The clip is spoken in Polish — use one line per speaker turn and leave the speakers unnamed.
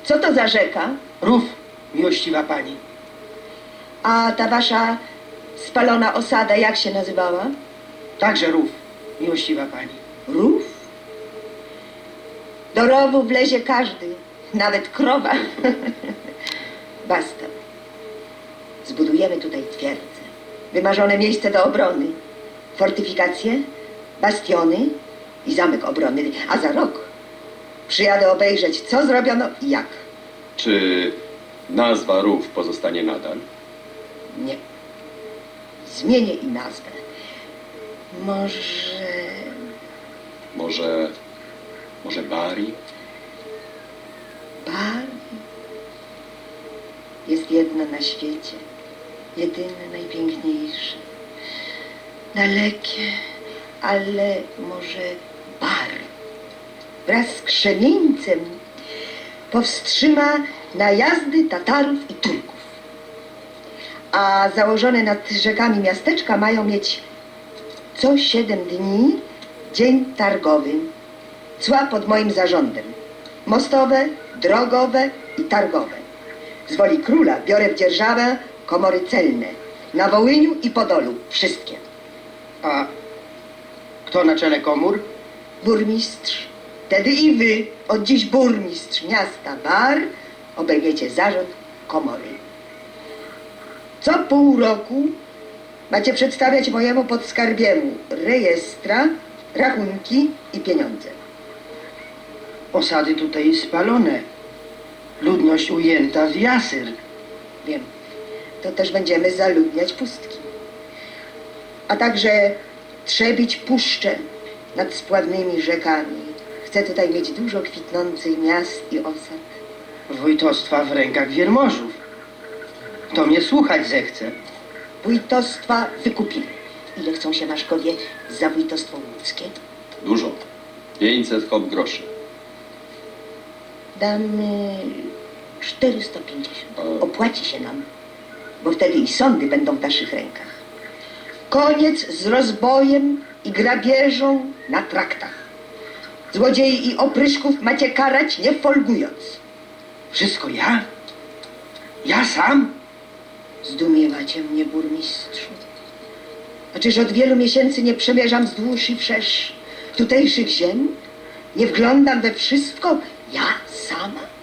Co to za rzeka?
Rów, miłościwa pani.
A ta wasza spalona osada jak się nazywała?
Także rów, miłościwa pani.
Rów? Do rowu wlezie każdy, nawet krowa. Basta. Zbudujemy tutaj twierdzę. Wymarzone miejsce do obrony. Fortyfikacje, bastiony i zamek obronny. A za rok przyjadę obejrzeć, co zrobiono i jak.
Czy nazwa rów pozostanie nadal?
Nie. Zmienię i nazwę.
Może Bari?
Bari jest jedna na świecie. Jedyne, najpiękniejsze. Dalekie, ale może Bari wraz z Krzemieńcem powstrzyma najazdy Tatarów i Turków. A założone nad rzekami miasteczka mają mieć co 7 dni dzień targowy. Cła pod moim zarządem. Mostowe, drogowe i targowe. Z woli króla biorę w dzierżawę komory celne. Na Wołyniu i Podolu. Wszystkie.
A kto na czele komór?
Burmistrz. Wtedy i wy, od dziś burmistrz miasta Bar, obejmiecie zarząd komory. Co pół roku macie przedstawiać mojemu podskarbiemu rejestra, rachunki i pieniądze.
Osady tutaj spalone. Ludność ujęta w jasyr.
Wiem, to też będziemy zaludniać pustki. A także trzebić puszcze nad spławnymi rzekami. Chcę tutaj mieć dużo kwitnących miast i osad.
Wójtostwa w rękach wiermożów. To mnie słuchać zechce.
Wójtostwa wykupili. Ile chcą się Maszkowie za wójtostwo łódzkie?
Dużo. 500 hop groszy.
Damy 450.
A-
Opłaci się nam, bo wtedy i sądy będą w naszych rękach. Koniec z rozbojem i grabieżą na traktach. Złodziei i opryszków macie karać nie folgując.
Wszystko ja? Ja sam?
Zdumiewacie mnie, burmistrzu. A czyż od wielu miesięcy nie przemierzam wzdłuż i wszerz tutejszych ziem? Nie wglądam we wszystko ja sama?